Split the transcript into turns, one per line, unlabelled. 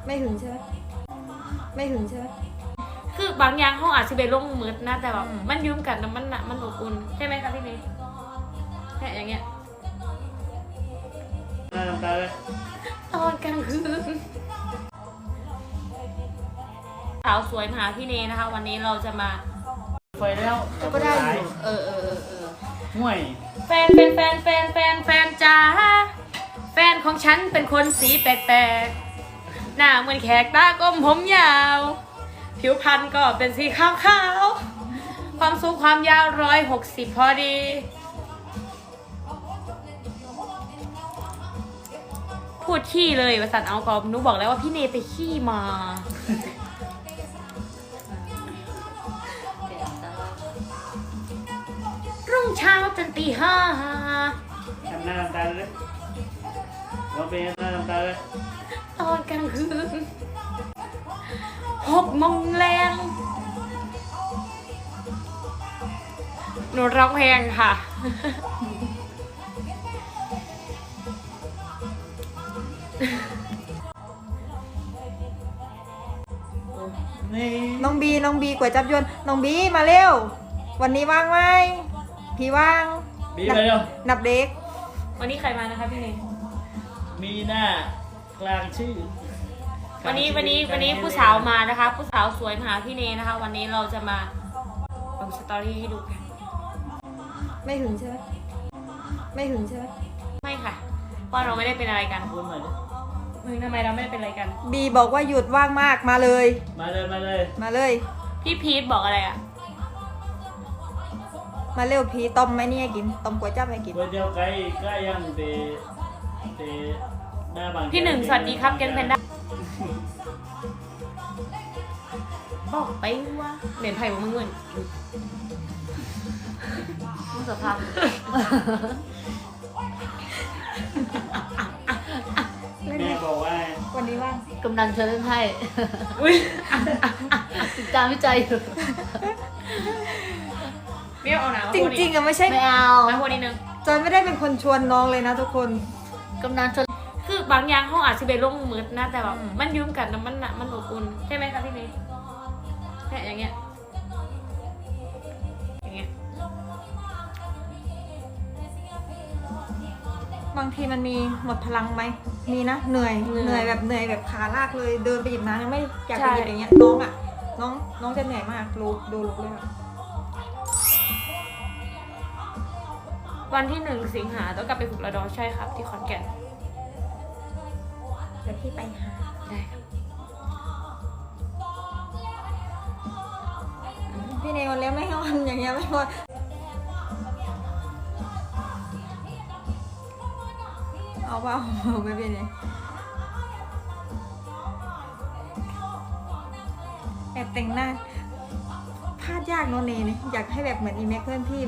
ไม่หึงใช่ไหมไม่หึงใช่ไหม
คือบางอย่างเขาอาจจะไปลงมืดนะแต่แบบมันยืมกันแล้วมันอบอุ่นใช่ไหมคะพี่เมย์เนี่ยอย่างเงี้ย
ตาเลย
ตอนกลางคืนสาวสวยมาหาพี่เนนะคะ วันนี้เราจะมา
ไฟแล้ว
ก็ได้อยู่
ห่วย
แฟนจ้าแฟนของฉันเป็นคนสีแปลกๆหน้าเหมือนแขกตากลมผมยาวผิวพรรณก็เป็นสีขาวๆความสูงความยาว160พอดีพูดขี้เลยประสันเอากอบหนูบอกแล้วว่าพี่เนไปขี้มารุ่งเช้าจนตี 5
ทำหน้าตาเลยเราเป็นหน้าตาเลย
ตอนกลางคืน6 โมงแรงหนูร้องเพลงค่ะ
น้องบีก๋วยจับยวนน้องบีมาเร็ววันนี้ว่างไหมพี่ว่าง
บีมาเร็ว
นับเด็ก
วันนี้ใครมานะคะพี่เนย
มีหน้ากลางชื่อ
วันนี้ผู้สาวมานะคะ ผู้สาวสวยมาหาพี่เนยนะคะ วันนี้เราจะมาลงสตอรี่ให้ดูกัน
ไม่หึงใช่ไหมไม่หึงใช่ไหม
ไม่ค่ะเพราะเราไม่ได้เป็นอะไรกัน
พูดหน่อยดิ
มึงทำไมเราไม่ได้เป็นอะไรกัน
บีบอกว่าหยุดว่างมากมาเลย
มาเลย
พี่พีทบอกอะไรอ่ะ
มาเร็วพีต้มไหมนี่ให้กินต้มก๋วยจั๊บให้กิน
ก๋วยเตี๋ยวไก่ย่างเตหน้าบาง
พี่หนึ่งสวัสดีครับแกนแพนด้าบอกไปว่าเหรียญไผ่ของมึงเงินมึงสภาพ
แม่บอกว่า
วันนี้ว่าง
กำลังเชิญเล่นไพ่ติดตามวิจัยอยู่
เบี้ยวเอาหนาว
จริงๆอะไม่ใช่
ไม่เอา
มาคนนี้นึง
จอยไม่ได้เป็นคนชวนน้องเลยนะทุกคน
กำลังเชิญ
คือบางอย่างเขาอาจจะไปลงมืดนะแต่แบบมันยืมกันแล้วมันอบอุ่นใช่ไหมคะพี่เมย์เนี่ยอย่างเงี้ย
บางทีมันมีหมดพลังไหมมีนะเหนื่อยแบบขาลากเลยเดินไปหยิบน้ำยังไม่อยากไปหยิบอย่างเงี้ยน้องจะเหนื่อยมากดูลุกเลย
วันที่1 สิงหาต้องกลับไปฝึกระดอใช่ครับที่ขอนแก่น
เดี๋ยวพี่ไปหา
ได้ครับ
พี่เนวันแล้วไม่งอนอย่างเงี้ยไม่งอนเอาเปล่าไม่เป็นไรแอบแต่งหน้าพลาดยากโนเนเนี่ยอยากให้แบบเหมือนอีแม็กเพื่อนพี่